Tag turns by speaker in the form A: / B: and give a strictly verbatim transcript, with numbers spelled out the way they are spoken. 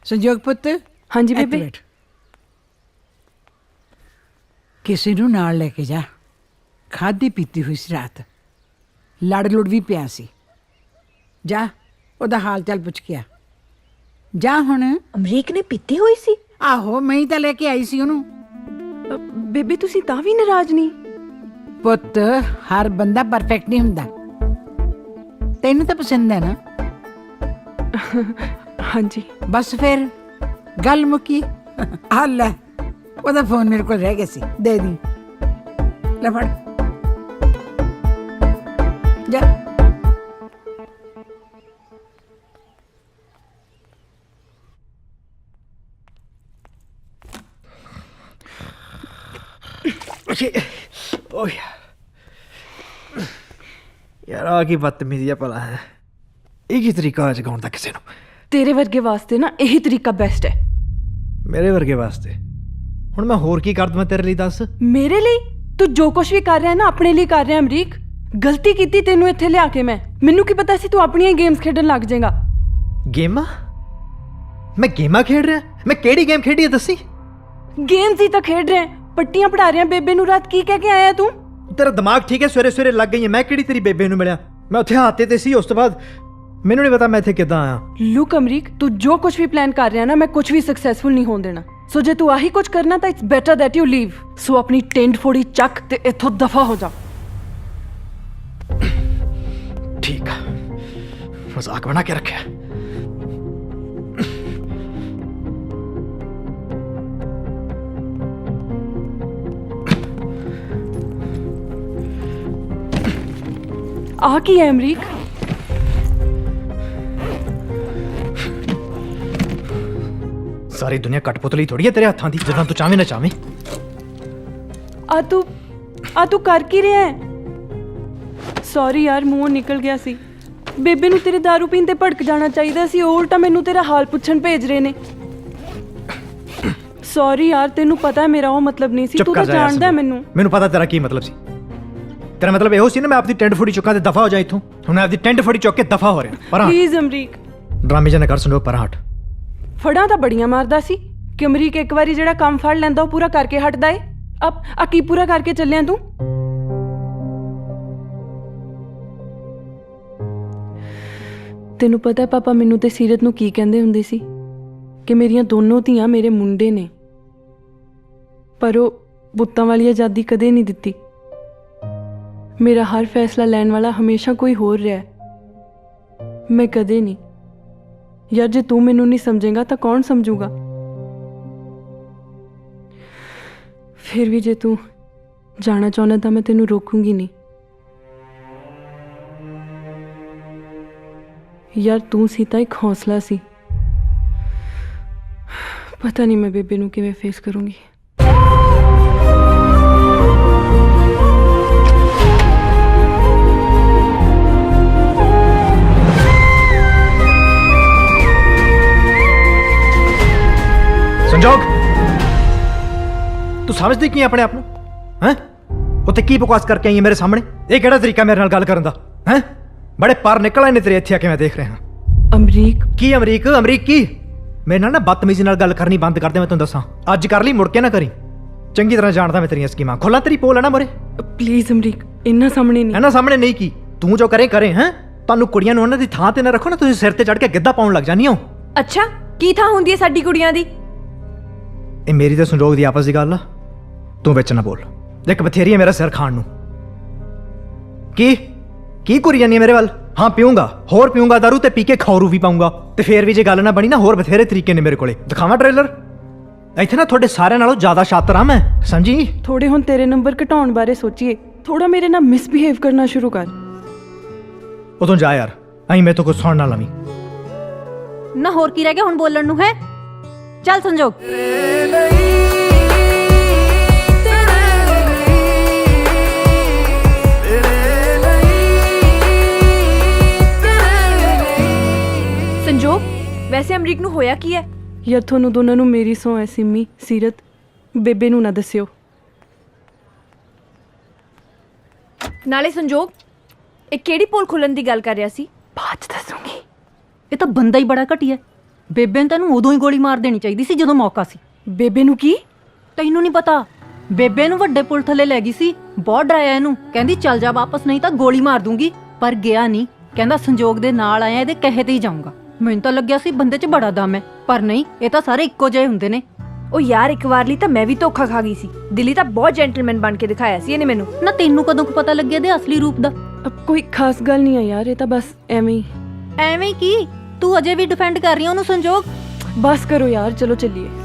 A: संजोग पुत्त
B: हाँ जी
A: ਇੱਥੇ
B: ਬੇਬੇ
A: ਬੈਠ। ਕਿਸੇ ਨੂੰ ਨਾਲ ਲੈ ਕੇ ਜਾ। ਖਾਦੀ ਪੀਤੀ ਹੋਈ ਸੀ ਰਾਤ, ਲੜ ਲੁੜ ਵੀ ਪਿਆ ਸੀ। ਜਾ ਉਹਦਾ ਹਾਲ ਚਾਲ ਪੁੱਛ ਕੇ ਆ। ਜਾ ਹੁਣ।
C: ਅਮਰੀਕ ਨੇ ਪੀਤੀ ਹੋਈ ਸੀ?
A: ਆਹੋ ਮੈਂ ਹੀ ਤਾਂ ਲੈ ਕੇ ਆਈ ਸੀ ਉਹਨੂੰ।
B: ਅ, ਬੇਬੇ ਤੁਸੀਂ ਤਾਂ ਵੀ ਨਾਰਾਜ਼ ਨਹੀਂ?
A: ਪੁੱਤ ਹਰ ਬੰਦਾ ਪਰਫੈਕਟ ਨਹੀਂ ਹੁੰਦਾ। ਤੈਨੂੰ ਤਾਂ ਪਸੰਦ ਹੈ ਨਾ?
B: ਹਾਂਜੀ।
A: ਬਸ ਫਿਰ ਗੱਲ ਮੁੱਕੀ। ਆ ਲੈ ਉਹਦਾ ਫੋਨ ਮੇਰੇ ਕੋਲ ਰਹਿ ਗਿਆ ਸੀ, ਦੇ ਦੀ। ਲੈ ਫੜ ਜਾ।
D: ਓਏ ਯਾਰ ਆ ਕੀ ਬਦਤਮੀਜ਼ੀ ਆ ਭਲਾ ਹੈ। ਇਹ ਕੀ ਤਰੀਕਾ ਜਗਾਉਣ ਦਾ ਕਿਸੇ ਨੂੰ?
B: ਤੇਰੇ ਵਰਗੇ ਵਾਸਤੇ ਨਾ ਇਹੀ ਤਰੀਕਾ ਬੈਸਟ ਹੈ।
D: ਮੇਰੇ ਵਰਗੇ ਵਾਸਤੇ ਹੁਣ ਮੈਂ ਹੋਰ ਕੀ ਕਰ ਦਵਾਂ ਤੇਰੇ ਲਈ, ਦੱਸ।
B: ਮੇਰੇ ਲਈ ਤੂੰ ਜੋ ਕੁਝ ਵੀ ਕਰ ਰਿਹਾ ਨਾ ਆਪਣੇ ਲਈ ਕਰ ਰਿਹਾ ਅਮਰੀਕ। ਗਲਤੀ ਕੀਤੀ ਤੈਨੂੰ ਇੱਥੇ ਲਿਆ ਕੇ ਮੈਂ। ਮੈਨੂੰ ਕੀ ਪਤਾ ਸੀ ਤੂੰ ਆਪਣੀਆਂ ਗੇਮਸ ਖੇਡਣ ਲੱਗ ਜਾਏਗਾ।
D: ਗੇਮਾਂ? ਮੈਂ ਗੇਮਾਂ ਖੇਡ ਰਿਹਾ? ਮੈਂ ਕਿਹੜੀ ਗੇਮ ਖੇਡੀ ਹੈ ਦੱਸੀ?
B: ਗੇਮਸ ਹੀ ਤਾਂ ਖੇਡ ਰਿਹਾ, ਪੱਟੀਆਂ ਪੜਾ ਰਿਹਾ ਬੇਬੇ ਨੂੰ। ਰਾਤ ਕੀ ਕਹਿ ਕੇ ਆਇਆ ਤੂੰ?
D: ਤੇਰਾ ਦਿਮਾਗ ਠੀਕ ਹੈ? ਸਵੇਰੇ ਸਵੇਰੇ ਲੱਗ ਗਈ ਹੈ। ਮੈਂ ਕਿਹੜੀ ਤੇਰੀ ਬੇਬੇ ਨੂੰ ਮਿਲਿਆ? ਮੈਂ ਉੱਥੇ ਹਾਤੇ ਤੇ ਸੀ, ਉਸ ਤੋਂ ਬਾਅਦ ਮੈਨੂੰ ਨਹੀਂ ਪਤਾ ਮੈਂ ਇੱਥੇ ਕਿੱਦਾਂ ਆਇਆ।
B: ਲੁੱਕ ਅਮਰੀਕ, ਤੂੰ ਜੋ ਕੁਝ ਵੀ ਪਲਾਨ ਕਰ ਰਿਹਾ ਨਾ, ਮੈਂ ਕੁਝ ਵੀ ਸਕਸੈਸਫੁਲ ਨਹੀਂ ਹੋਣ ਦੇਣਾ। ਸੋ ਜੇ ਤੂੰ ਆਹੀ ਕੁਝ ਕਰਨਾ ਤਾਂ it's better that you leave. So ਆਪਣੀ ਟੈਂਟ ਫੋੜੀ ਚੱਕ ਤੇ ਇੱਥੋਂ ਦਫਾ ਹੋ ਜਾ।
D: ਠੀਕ ਆ, ਮਜ਼ਾਕ ਬਣਾ ਕੇ ਰੱਖਿਆ।
B: ਆ ਕੀ ਹੈ ਅਮਰੀਕ?
D: ਸਾਰੀ ਦੁਨੀਆ ਕਟਪੁਤਲੀ ਥੋੜੀ ਹੈ ਤੇਰੇ ਹੱਥਾਂ ਦੀ, ਜਦੋਂ ਤੂੰ ਚਾਵੇਂ ਨਾ ਚਾਵੇਂ।
B: ਆ ਤੂੰ ਆ ਤੂੰ ਕਰ ਕੀ ਰਿਹਾ ਹੈ? ਸੌਰੀ ਯਾਰ, ਮੂੰਹੋਂ ਨਿਕਲ ਗਿਆ ਸੀ। ਬੇਬੇ ਨੂੰ ਤੇਰੇ ਦਾਰੂ ਪੀਣ ਤੇ ਭੜਕ ਜਾਣਾ ਚਾਹੀਦਾ ਸੀ, ਉਹ ਉਲਟਾ ਮੈਨੂੰ ਤੇਰਾ ਹਾਲ ਪੁੱਛਣ ਭੇਜ ਰਹੇ ਨੇ। ਸੌਰੀ ਯਾਰ, ਤੈਨੂੰ ਪਤਾ ਮੇਰਾ ਉਹ ਮਤਲਬ ਨਹੀਂ ਸੀ।
D: ਚੁੱਪ
B: ਤੂੰ
D: ਕਰ
B: ਤਾਂ
D: ਜਾ ਯਾਰ
B: ਜਾਣਦਾ
D: ਸੰਜੋਗ।
B: ਮੈਨੂੰ।
D: ਮੈਨੂੰ ਪਤਾ ਤੇਰਾ ਕੀ ਮਤਲਬ ਸੀ। ਤੇਰਾ ਮਤਲਬ ਇਹੋ ਸੀ ਨਾ ਮੈਂ ਆਪਦੀ ਟੈਂਟ ਫੋੜੀ ਚੁੱਕਾਂ ਤੇ ਦਫਾ ਹੋ ਜਾ ਇੱਥੋਂ। ਹੁਣ ਮੈਂ ਆਪਦੀ ਟੈਂਟ ਫੋੜੀ ਚੁੱਕ ਕੇ ਦਫਾ ਹੋ ਰਿਹਾ। ਪਰਾਂ
B: ਪਲੀਜ਼ ਅਮਰੀਕ।
D: ਡਰਾਮੇ ਜਾਂ ਨਾ ਕਰ ਸੰਜੋਗ, ਪਰਾਂ ਹਟ।
B: ਫੜਾਂ ਤਾਂ ਬੜੀਆਂ ਮਾਰਦਾ ਸੀ ਕਿ ਅਮਰੀਕ ਇੱਕ ਵਾਰੀ ਜਿਹੜਾ ਕੰਮ ਫੜ ਲੈਂਦਾ ਉਹ ਪੂਰਾ ਕਰਕੇ ਹਟਦਾ ਏ। ਅਬ ਆ ਕੀ ਪੂਰਾ ਕਰਕੇ ਚੱਲਿਆ ਤੂੰ? ਤੈਨੂੰ ਪਤਾ ਪਾਪਾ ਮੈਨੂੰ ਤੇ ਸੀਰਤ ਨੂੰ ਕੀ ਕਹਿੰਦੇ ਹੁੰਦੇ ਸੀ? ਕਿ ਮੇਰੀਆਂ ਦੋਨੋਂ ਧੀਆਂ ਮੇਰੇ ਮੁੰਡੇ ਨੇ। ਪਰ ਉਹ ਬੁੱਤਾਂ ਵਾਲੀ ਆਜ਼ਾਦੀ ਕਦੇ ਨਹੀਂ ਦਿੱਤੀ। ਮੇਰਾ ਹਰ ਫੈਸਲਾ ਲੈਣ ਵਾਲਾ ਹਮੇਸ਼ਾ ਕੋਈ ਹੋਰ ਰਿਹਾ ਹੈ। ਮੈਂ ਕਦੇ ਨਹੀਂ। ਯਾਰ ਜੇ ਤੂੰ ਮੈਨੂੰ ਨਹੀਂ ਸਮਝੇਗਾ ਤਾਂ ਕੌਣ ਸਮਝੂਗਾ? ਫਿਰ ਵੀ ਜੇ ਤੂੰ ਜਾਣਾ ਚਾਹੁੰਦਾ ਤਾਂ ਮੈਂ ਤੈਨੂੰ ਰੋਕੂੰਗੀ ਨਹੀਂ। ਯਾਰ ਤੂੰ ਸੀ ਤਾਂ ਇੱਕ ਹੌਸਲਾ ਸੀ। ਪਤਾ ਨਹੀਂ ਮੈਂ ਬੇਬੇ ਨੂੰ ਕਿਵੇਂ ਫੇਸ ਕਰੂੰਗੀ।
D: ਸੰਜੋਗ, ਤੂੰ ਸਮਝਦੀ ਕੀ ਆਪਣੇ ਆਪ ਨੂੰ? ਹੈਂ, ਉੱਥੇ ਕੀ ਬਕਵਾਸ ਕਰਕੇ ਆਈ ਹੈ ਮੇਰੇ ਸਾਹਮਣੇ? ਇਹ ਕਿਹੜਾ ਤਰੀਕਾ ਮੇਰੇ ਨਾਲ ਗੱਲ ਕਰਨ ਦਾ? ਹੈਂ, ਬੜੇ ਪਾਰ ਨਿਕਲ ਆਏ ਨੇ ਤੇਰੇ ਇੱਥੇ ਆ ਕੇ, ਮੈਂ ਦੇਖ ਰਿਹਾ ਹਾਂ।
B: ਅਮਰੀਕ
D: ਕੀ ਅਮਰੀਕ? ਅਮਰੀਕ ਕੀ? ਮੇਰੇ ਨਾਲ ਨਾ ਬਦਤਮੀਜ਼ੀ ਨਾਲ ਗੱਲ ਕਰਨੀ ਬੰਦ ਕਰ ਦੇ। ਮੈਂ ਤੈਨੂੰ ਦੱਸਾਂ, ਅੱਜ ਕਰ ਲਈ, ਮੁੜ ਕੇ ਨਾ ਕਰੀ। ਚੰਗੀ ਤਰ੍ਹਾਂ ਜਾਣਦਾ ਮੈਂ ਤੇਰੀਆਂ ਸਕੀਮਾਂ। ਖੋਲਾਂ ਤੇਰੀ ਪੋਲ ਹੈ ਨਾ ਮੋਰੇ।
B: ਪਲੀਜ਼ ਅਮਰੀਕ, ਇੰਨਾ ਸਾਹਮਣੇ ਨਹੀਂ।
D: ਇਹਨਾਂ ਸਾਹਮਣੇ ਨਹੀਂ ਕੀ? ਤੂੰ ਜੋ ਕਰੇ ਕਰੇ। ਹੈਂ, ਤੁਹਾਨੂੰ ਕੁੜੀਆਂ ਨੂੰ ਉਹਨਾਂ ਦੀ ਥਾਂ ਤੇ ਨਾ ਰੱਖੋ ਨਾ, ਤੁਸੀਂ ਸਿਰ ਤੇ ਚੜ ਕੇ ਗਿੱਧਾ ਪਾਉਣ ਲੱਗ ਜਾਂਦੀ ਹੋ।
C: ਅੱਛਾ, ਕੀ ਥਾਂ ਹੁੰਦੀ ਹੈ ਸਾਡੀ ਕੁੜੀਆਂ ਦੀ?
D: ਇਹ ਮੇਰੀ ਤੇ ਸੰਜੋਗ ਦੀ ਆਪਸ ਦੀ ਗੱਲ ਆ, ਤੂੰ ਵਿੱਚ ਨਾ ਬੋਲ। ਇੱਕ ਬਥੇਰੀ ਹੈ ਮੇਰਾ ਸਿਰ ਖਾਣ ਨੂੰ। ਕੀ ਕੀ ਕੁਰੀ ਜਾਨੀ ਹੈ ਮੇਰੇ ਵੱਲ? ਹਾਂ ਪੀਊਂਗਾ, ਹੋਰ ਪੀਊਂਗਾ ਦਾਰੂ, ਤੇ ਪੀ ਕੇ ਖੌਰੂ ਵੀ ਪਾਊਂਗਾ। ਤੇ ਫੇਰ ਵੀ ਜੇ ਗੱਲ ਨਾ ਬਣੀ ਨਾ, ਹੋਰ ਬਥੇਰੇ ਤਰੀਕੇ ਨੇ ਮੇਰੇ ਕੋਲੇ। ਦਿਖਾਵਾਂ ਟ੍ਰੇਲਰ? ਇੱਥੇ ਨਾ ਤੁਹਾਡੇ ਸਾਰਿਆਂ ਨਾਲੋਂ ਜ਼ਿਆਦਾ ਸ਼ਾਤਰ ਆ ਮੈਂ, ਸਮਝੀ?
B: ਥੋੜੇ ਹੁਣ ਤੇਰੇ ਨੰਬਰ ਘਟਾਉਣ ਬਾਰੇ ਸੋਚੀਏ। ਥੋੜਾ ਮੇਰੇ ਨਾਲ ਮਿਸਬਿਹੇਵ ਕਰਨਾ ਸ਼ੁਰੂ ਕਰ।
D: ਉਦੋਂ ਜਾ ਯਾਰ, ਅਹੀਂ ਮੈਂ ਤੋਂ ਕੁਝ ਸੁਣ ਨਾ ਲਵੀਂ।
C: ਨਾ ਹੋਰ ਕੀ ਰਹਿ ਗਿਆ ਹੁਣ ਬੋਲਣ ਨੂੰ? ਹੈ ਚੱਲ ਸੰਜੋਗ। ਸੰਜੋਗ, ਵੈਸੇ ਅਮਰੀਕ ਨੂੰ ਹੋਇਆ ਕੀ ਹੈ?
B: ਯਾਰ ਤੁਹਾਨੂੰ ਦੋਨਾਂ ਨੂੰ ਮੇਰੀ ਸਹੁੰ ਹੈ। ਸਿੰਮੀ, ਸੀਰਤ, ਬੇਬੇ ਨੂੰ ਨਾ ਦੱਸਿਓ।
C: ਨਾਲੇ ਸੰਜੋਗ, ਇਹ ਕਿਹੜੀ ਪੋਲ ਖੁੱਲਣ ਦੀ ਗੱਲ ਕਰ ਰਿਹਾ ਸੀ?
B: ਬਾਅਦ ਚ ਦੱਸੂਗੀ।
C: ਇਹ ਤਾਂ ਬੰਦਾ ਹੀ ਬੜਾ ਘਟੀਆ। ਬੇਬੇ ਨੂੰ ਤੈਨੂੰ ਉਦੋਂ ਹੀ ਗੋਲੀ ਮਾਰ ਦੇਣੀ ਚਾਹੀਦੀ ਸੀ ਜਦੋਂ ਮੌਕਾ ਸੀ।
B: ਬੇਬੇ ਨੂੰ ਕੀ?
C: ਤੈਨੂੰ ਨਹੀਂ ਪਤਾ, ਬੇਬੇ ਨੂੰ ਵੱਡੇ ਪੁਲ ਥੱਲੇ ਲੈ ਗਈ ਸੀ, ਬਹੁਤ ਡਰਾਇਆ ਇਹਨੂੰ, ਕਹਿੰਦੀ ਚੱਲ ਜਾ ਵਾਪਸ ਨਹੀਂ ਤਾਂ ਗੋਲੀ ਮਾਰ ਦੂੰਗੀ, ਪਰ ਗਿਆ ਨਹੀਂ, ਕਹਿੰਦਾ ਸੰਜੋਗ ਦੇ ਨਾਲ ਆਇਆ ਇਹਦੇ ਕਹੇ ਤੇ ਹੀ ਜਾਊਂਗਾ। ਮੈਨੂੰ ਤਾਂ ਲੱਗਿਆ ਸੀ ਬੰਦੇ 'ਚ ਬੜਾ ਦਮ ਹੈ, ਪਰ ਨਹੀਂ, ਇਹ ਤਾਂ ਸਾਰੇ ਇੱਕੋ ਜਿਹੇ ਹੁੰਦੇ ਨੇ।
E: ਉਹ ਯਾਰ ਇੱਕ ਵਾਰ ਲਈ ਤਾਂ ਮੈਂ ਵੀ ਧੋਖਾ ਖਾ ਗਈ ਸੀ। ਦਿੱਲੀ ਤਾਂ ਬਹੁਤ ਜੈਂਟਲਮੈਨ ਬਣ ਕੇ ਦਿਖਾਇਆ ਸੀ ਇਹਨੇ ਮੈਨੂੰ।
C: ਨਾ ਤੈਨੂੰ ਕਦੋਂ ਕੁ ਪਤਾ ਲੱਗਿਆ ਇਹਦੇ ਅਸਲੀ ਰੂਪ ਦਾ?
B: ਅਬ ਕੋਈ ਖਾਸ ਗੱਲ ਨਹੀਂ ਆ ਯਾਰ, ਇਹ ਤਾਂ ਬਸ ਐਵੇਂ ਹੀ।
C: ਐਵੇਂ ਕੀ, ਤੂੰ ਅਜੇ ਵੀ ਡਿਫੈਂਡ ਕਰ ਰਹੀ ਹੈ ਉਹਨੂੰ ਸੰਜੋਗ?
B: ਬਸ ਕਰੋ ਯਾਰ, ਚਲੋ ਚੱਲੀਏ।